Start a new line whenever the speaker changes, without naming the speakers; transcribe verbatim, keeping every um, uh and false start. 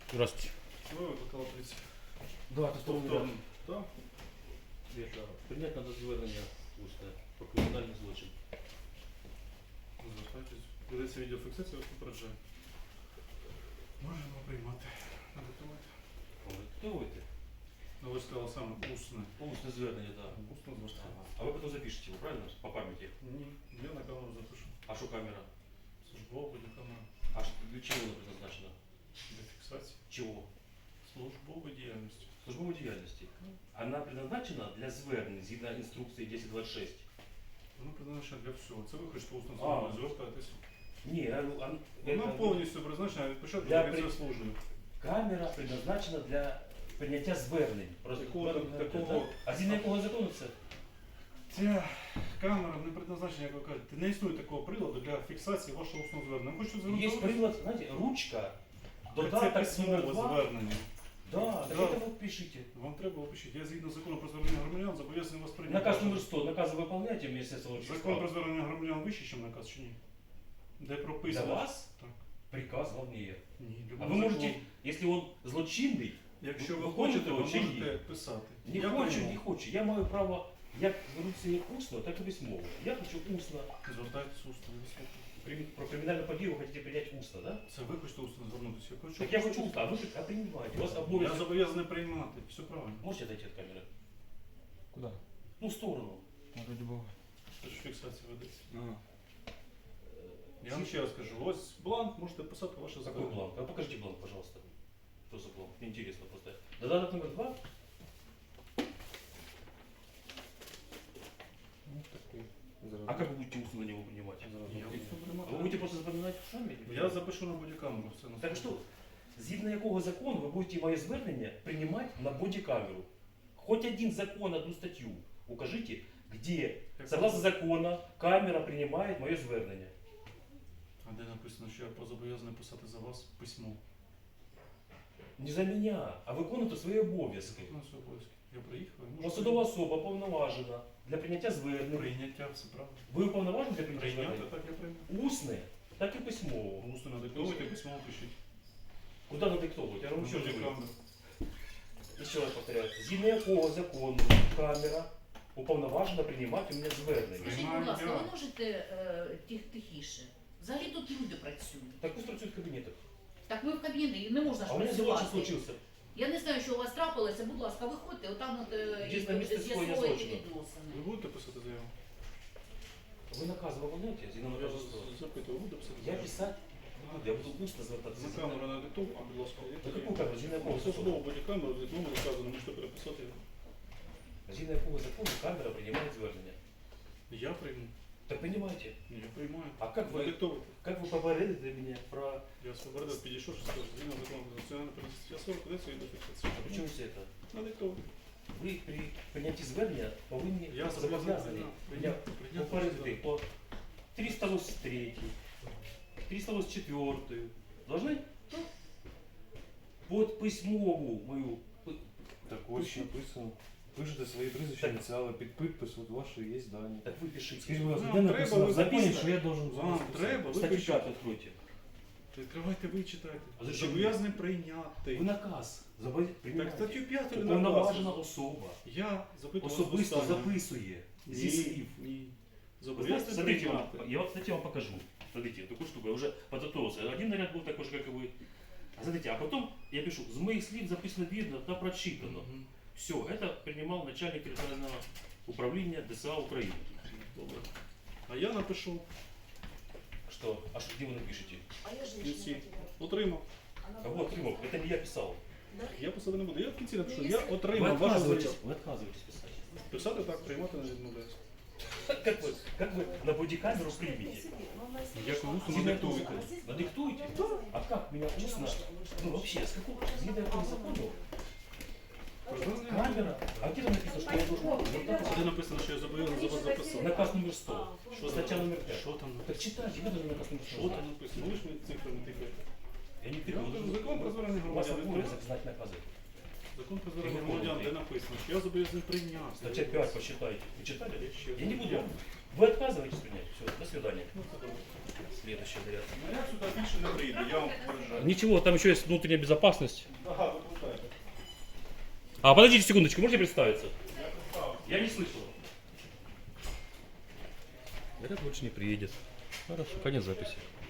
Здравствуйте.
Ви викликали поліцію?
Да, это что
Тобто, так?
Это принять надо звернення усне про кримінальний злочин.
Звертайтесь. Ведеться відеофіксація, вас попереджаю. Можемо приймати. Надиктувати.
Диктуйте.
Ну ви сказали саме усне.
Усне звернення, да.
Усне звертання.
Ага. А вы потом запишите его, правильно? По памяти.
Ні, я на камеру запишу.
А что камера?
Службова бодікамера.
А что, для чего она предназначена?
Для фіксації.
Чего?
Службової діяльності.
Службовой деятельности. Она предназначена для звернень згідно інструкції десять двадцять шесть.
Воно призначено для всього. Це ви хочете усно
А.
звернення, звертайтесь.
Не, а, а,
Вона
это-
повністю призначена від початку
Для
до
при-
кінця служби.
камера предназначена для прийняття звернень. Просто
Такого- такого-
А згідно якого закону це?
Ця камера не предназначена, як ви кажете. Не існує такого приладу для фіксації вашого усного звернення. Ви хочете звернути?
Є прилад, знаєте, ручка,
Це
додаток номер
письмове
два.
звернення.
Да, так
Да.
это вы пишите.
Вам треба опишіть. Я згідно закону про звернення громадян зобов'язаний вас прийняти.
Наказ номер сто, наказы выполняйте, Министерство внутренних
Закон про
дел.
звернення громадян вищий, ніж наказ, чи ні? Де
Для
прописано.
вас
Так.
приказ главнее.
Ні,
А
любой
вы
закон.
можете, если он злочинный,
Якщо
ви
ви
хочете,
хочете, ви
чи ні?
можете писати.
не
Я
хочу,
прийму.
не хочу. Я маю право як звернутися як усно, так і письмово. Я хочу усно.
Звертайтесь усно. ви слухайте.
При- Про криминальную подію вы хотите принять устно, да?
Це ви хочете усно звернутися. Я хочу.
Так я хочу усно, а вы а принимаете. У вас
Я
обовязок.
зобов'язаний приймати. Все правильно.
Можете отойти от камеры?
Куда?
Ну, в сторону.
Ну, ради бога.
Це ж фіксація ведеться.
Ага.
Я вам ще раз кажу, ось бланк, можете писати ваше
Какой
звернення.
бланк? А покажите бланк, пожалуйста. Что за бланк? Мне интересно просто. Додаток номер два.
Ну, такой. Зараз.
А как вы будете устно на него принимать?
Зараз.
Я усно
А
приймати.
вы будете просто запоминать сами?
Я запишу на бодікамеру все на
Так що, згідно якого закону ви будете моє звернення приймати на бодікамеру? Хоч один закон, одну статтю укажите, где, согласно закону, камера приймає моє звернення.
А де написано, що я зобов'язаний писати за вас письмо?
Не за мене, а виконувати свої обов'язки.
У нас обов'язки. Я приїхав, і можу
Посадова особа повноважена для прийняття звернень.
прийняття, все правильно.
Ви уповноважені для прийняття
Прийняти,
звернень?
так я прийняв.
Усне, так і письмово.
Усно надиктовуйте, письмо пишіть.
Куди надиктовувати? Я вам що говорю?
Бодікамеру.
Ще раз повторяю. Згідно якого закону камера уповноважена приймати у мене звернення?
Скажіть, будь ласка, ви можете е, тих, тихіше? Взагалі тут люди працюють.
Так пусть працюють в кабінетах.
Так ми в кабінеті і не можна ж
А у мене
працювати.
злочин случився.
Я не знаю, що у вас трапилося, будь ласка, виходьте, отам от е,
Дійсно, місце скоєння
з'ясовуйте
злочину.
відносини.
Ви будете писати заяву?
Ви накази виконуєте? Згідно
Я
наказу
вас
сто.
запитую, ви будете писати
Я
заяву?
писати не буду, я буду усно звертатися.
На камеру надиктовую, а, будь ласка.
На яку камеру? Згідно якого
Це
закону?
слово бодікамеру, з номер вказано, можете переписати його.
Згідно якого закону камера приймає звернення?
Я прийму.
Так приймайте.
Ні, я приймаю.
А як ви,
Надиктовуйте.
як ви попередите мене про...
Я свобода підійшов, що скажу, згідно закону про національну поліцію. Я сорок кодексу і до фіксації.
А почему це це?
Надиктовуйте.
Ви при прийнятті звернення повинні
Я
зобов'язані мене попередити по триста восемьдесят три, триста восемьдесят четыре. Должны? Под письмову мою.
Так ось написано. Пишете свої прізвища,
Так.
ініціали під підпис, от ваші є дані.
Так ви пишіть.
Скажіть, будь ласка,
Вам
де
треба,
написано
ви
в законі,
запишете.
що я должен
Вам
записати?
треба, ви
Статтю
пишіть.
п'яту відкройте.
Відкривайте, ви читайте.
А зачем
Зобов'язаний прийняти.
Ви наказ. Зобов'язані
Так
приймати.
статтю п'яту
Уповноважена особа.
Я запитую вас
Особисто
останнє.
записує зі
Ні,
слів.
ні.
Вы знаете,
Зобов'язаний
смотрите,
прийняти.
вот, я вот, кстати, вам покажу. Смотрите, такую штуку, я уже подготовился. Один наряд был такой же, как и вы. А смотрите, а потом я пишу, с моих слив записано видно, да прочитано.
Мгм.
Все, это принимал начальник территориального управления ДСА Украины.
Добре. А я напишу
Что? А что, где вы напишете?
А я
в
женщина.
кінці.
потеряла.
Отримав.
Она
А
была
вот, Тимов, это не я писал.
Да?
Я писати не буду. Я в кінці напишу.
Ну,
Я
якщо-
Вы
отримав вашу
отказываетесь,
заяву.
вы отказываетесь писать.
Писати так, приймати не відмовляюсь.
Как вы, как вы на бодикамеру примете?
Я кому
Згідно
надиктуйте.
якого закону? Надиктуйте? А как меня устно? Ну вообще, с какого, згідно якого закону? Камера? А где там написано, что я должен звертатися?
Де написано, що я зобов'язаний за вас записати?
Наказ номер сто.
Що
Стаття
там?
номер п'ять.
Що там
Так
написано?
читайте, ви должны наказ номер
Що
сто.
там написано? Ви ж мені цифрами тикаєте.
Я не
Я
тыкаю.
вам кажу, закон про звернення
У вас
громадян.
обов'язок знати накази.
Закон про звернення громадян, де написано, що я зобов'язаний прийняти.
Стаття п'ять, почитайте. Ви читали?
Я ще
Я не буду.
Я
Вы отказываетесь принять? Все, до свидания.
Ну, це добре.
Следующий заряд.
Ну, я сюди більше не прийду, я вам попереджаю.
Ничего, там еще есть внутренняя безопасность.
Ага, випускайте.
А, подождите секундочку, можете представиться?
Я представився.
Я не слышал. Заряд больше не приедет. Хорошо, конец записи.